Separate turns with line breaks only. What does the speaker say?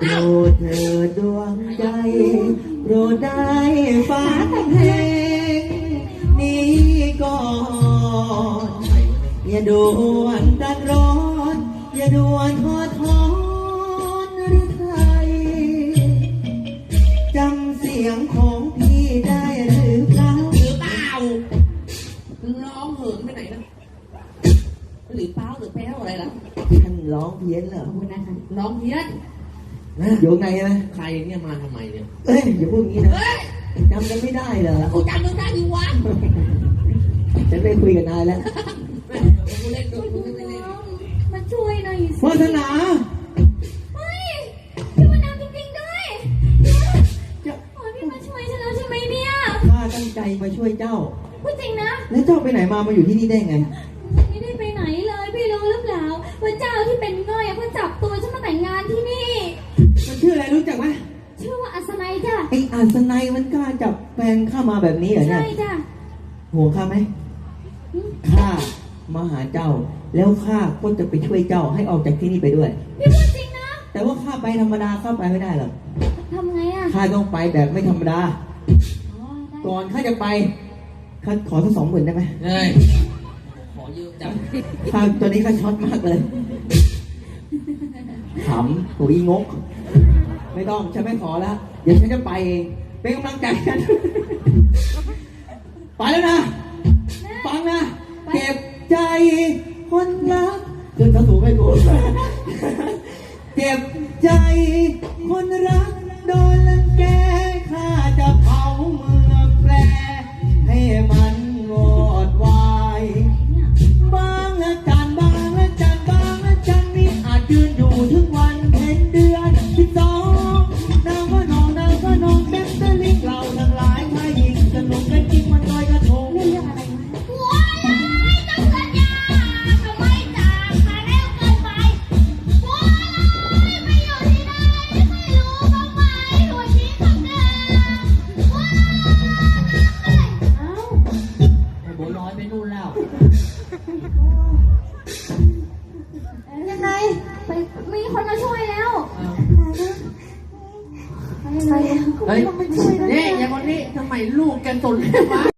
รดเถิดดวงใจโปรดได้ฟังเพลงนี้ก่อนอย่าด่วนดันร้อนอย่าด่วนทอดทอนหรือไทยจำเสียงของพี่ได้หรือเปล่า
ร้องเหินไปไหนนะหรือเปล่าหรือแป้วอะไรล่ะ
ท่านร้องเพี้ยนเหรอ
คุณนะคะร้องเพี้ยน
นะอยู่ไงนะ
ใครเนี่ยมาทำไมเนี่ย
เอ้ยอย่าพูดงี้นะจำกันไม่ได้เหรอ
กูจำมึงได้ดีวะ
ฉันไม่คุยกับนายแล้ว
กูเล่นด้วยกูเล่น
มาช่วยหน่อยสิ
วาสนา
เฮ้ยพี่มานำจริงๆด้วยโอ้ยพี่มาช่วยฉันแล้วใช่ไหมเนี่ย
ข้าตั้งใจมาช่วยเจ้า
พูดจริงนะ
แล้วเจ้าไปไหนมาอยู่ที่นี่ได้ไง
ไม่ได้ไปไหนเลยพี่รู้หรือเปล่าว่าเจ้าที่เป็นง่อยเขาจับตัวฉันมาแต่งงานที่นี่
มันชื่ออะไรรู้จักไหม
ชื่อว่าอัศนัยจ้ะ
ไอ้อัศนัยมันกล้าจับแฟนข้ามาแบบนี้เหรอเนี่ย
ใช่จ้ะ
ห่วงข้าไหมข้ามาหาเจ้าแล้วข้าก็จะไปช่วยเจ้าให้ออกจากที่นี่ไปด้วย
พี่พูดจริงนะ
แต่ว่าข้าไปธรรมดาข้าไปไม่ได้หรอก
ทำไงอ่ะ
ข้าต้องไปแบบไม่ธรรมดาก่อนข้าจะไปข้าขอสัก20,000ได้ไหม
เฮ้ยขอยืมจับ
ข้าตัวนี้ข้าช็อตมากเลยขำตัวอีงกไม่ต้องฉันไม่ขอแล้วเดี๋ยวฉันจะไปเองเป็นกำลังใจกันไปแล้วนะฟังนะเก็บใจคนรักเดินเข้าสู่ไม่กูเก็บใจคนรักโดนรังแกข้าจะเผาเมืองแปรให้มันวอดวายบางละจันบางละจันบางละจันนี่อาจยืนอยู่ถึงวันเพ็ญเดือน12นางก็นองนางก็นองเต็มตะลิงเราทั้งหลายถ้ายิงสนุกกันจริงมันลอยกระทง
เรื่องอะไรวะต้องสัญญาทำไมจากมาเร็วเกินไปโว้ยไม่อยู่ที่ไหนไม่รู้บ้างไหมหัวชิ้นของเธอโว้ยเอ้า
ไอ้โบลอยไปนู่นแล้ว
ยังไงไปมีคนมาช่วยแล้ว
เฮ้ยเนี่ยอย่างคนนี้ทำไมลูกแกสนเลยวะ